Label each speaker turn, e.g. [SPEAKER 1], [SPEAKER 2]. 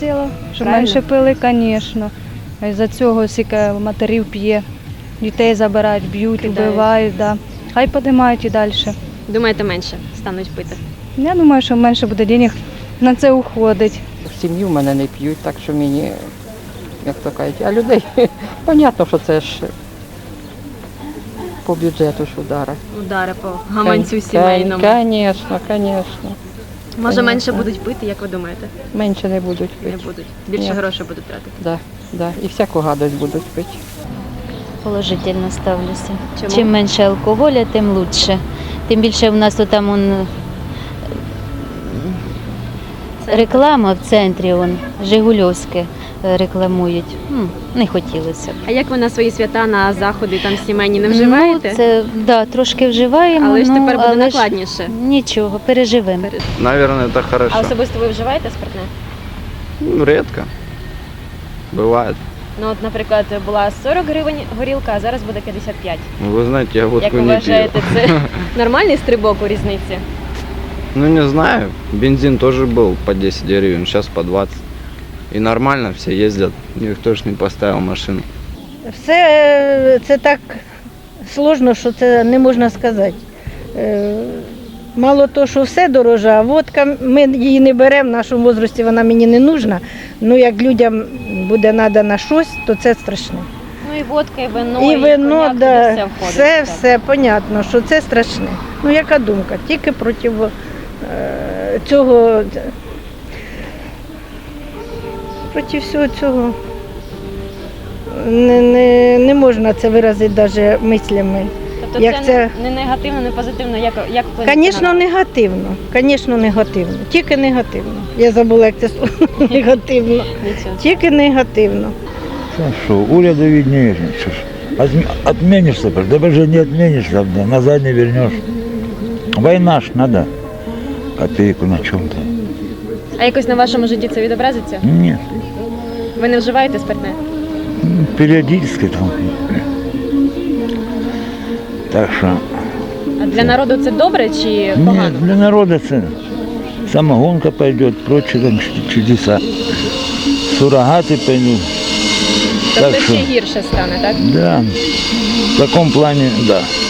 [SPEAKER 1] діло, щоб
[SPEAKER 2] Правильно?
[SPEAKER 1] менше пили, звісно. А із-за цього стільки матерів п'є, дітей забирають, б'ють,
[SPEAKER 2] Кидають.
[SPEAKER 1] вбивають. Да. Хай подимають і далі.
[SPEAKER 2] Думаєте, менше стануть пити?
[SPEAKER 1] Я думаю, що менше буде денег на це уходить.
[SPEAKER 3] В сім'ї в мене не п'ють, так що мені, як то кажуть, а людей, понятно, що це ж по бюджету ж удари.
[SPEAKER 2] Удари по гаманцю сімейному.
[SPEAKER 3] Звісно, звісно.
[SPEAKER 2] Може, менше
[SPEAKER 3] конечно.
[SPEAKER 2] будуть пити, як ви думаєте?
[SPEAKER 3] Менше не будуть
[SPEAKER 2] Не
[SPEAKER 3] пити.
[SPEAKER 2] будуть. Більше
[SPEAKER 3] Ні.
[SPEAKER 2] грошей будуть тратити.
[SPEAKER 3] Да, да. І всяку гадость будуть пити.
[SPEAKER 4] Положительно ставлюся.
[SPEAKER 2] Чому?
[SPEAKER 4] Чим менше алкоголя, тим краще. Тим більше в нас тут там реклама в центрі, Жигульовське рекламують. Не хотілося б.
[SPEAKER 2] А як ви на свої свята, на заходи там сімейні не вживаєте?
[SPEAKER 4] Ну, це, да, трошки вживаємо.
[SPEAKER 2] Але ж
[SPEAKER 4] ну,
[SPEAKER 2] тепер буде
[SPEAKER 4] але ж
[SPEAKER 2] накладніше.
[SPEAKER 4] Нічого, переживемо.
[SPEAKER 5] Наверное, это хорошо.
[SPEAKER 2] А особисто ви вживаєте спиртне?
[SPEAKER 5] Ну, редко. Бывает.
[SPEAKER 2] Ну от, наприклад, була 40 гривень горілка, а зараз буде 55.
[SPEAKER 5] Ну, вы знаете, я
[SPEAKER 2] Як
[SPEAKER 5] водку
[SPEAKER 2] ви
[SPEAKER 5] не
[SPEAKER 2] вважаєте,
[SPEAKER 5] пью.
[SPEAKER 2] це нормальний стрибок у різниці?
[SPEAKER 5] Ну, не знаю. Бензин тоже был по 10 гривен, сейчас по 20. И нормально все ездят. Никто ж не поставил машину.
[SPEAKER 6] Все це так сложно, що це не можна сказати. Мало того, що все дороже, а водка, ми її не беремо, в нашому віці вона мені не нужна. Ну, як людям буде надано щось, то це страшне.
[SPEAKER 2] Ну і водка, і вино,
[SPEAKER 6] І вино,
[SPEAKER 2] коньяк,
[SPEAKER 6] да,
[SPEAKER 2] туди все входить.
[SPEAKER 6] все,
[SPEAKER 2] так.
[SPEAKER 6] все, понятно, що це страшне. Ну, яка думка? Тільки проти цього, проти всього цього не можна це виразити навіть мислями.
[SPEAKER 2] Тобто
[SPEAKER 6] як
[SPEAKER 2] це не негативно, не позитивно, як вплине
[SPEAKER 6] Звісно,
[SPEAKER 2] на
[SPEAKER 6] негативно. Звісно, негативно. Тільки негативно. Я забула, як це слово негативно.
[SPEAKER 2] нічого.
[SPEAKER 6] Тільки негативно.
[SPEAKER 7] Что, уряду виднее, что ж. Отменишься, да даже не отменишься, да, назад не вернешь. Война ж надо. Копейку на чем-то.
[SPEAKER 2] А якось на вашому житті це відобразиться?
[SPEAKER 7] Нет,
[SPEAKER 2] Ви не вживаєте спиртне?
[SPEAKER 7] периодически там. Так что,
[SPEAKER 2] А для народу це добре чи погано?
[SPEAKER 7] нет, для народа это самогонка пойдет, прочие там чудеса. Суррогаты пойдут.
[SPEAKER 2] Тобто
[SPEAKER 7] так
[SPEAKER 2] ще
[SPEAKER 7] що-
[SPEAKER 2] гірше стане, так?
[SPEAKER 7] Да, в таком плане, да.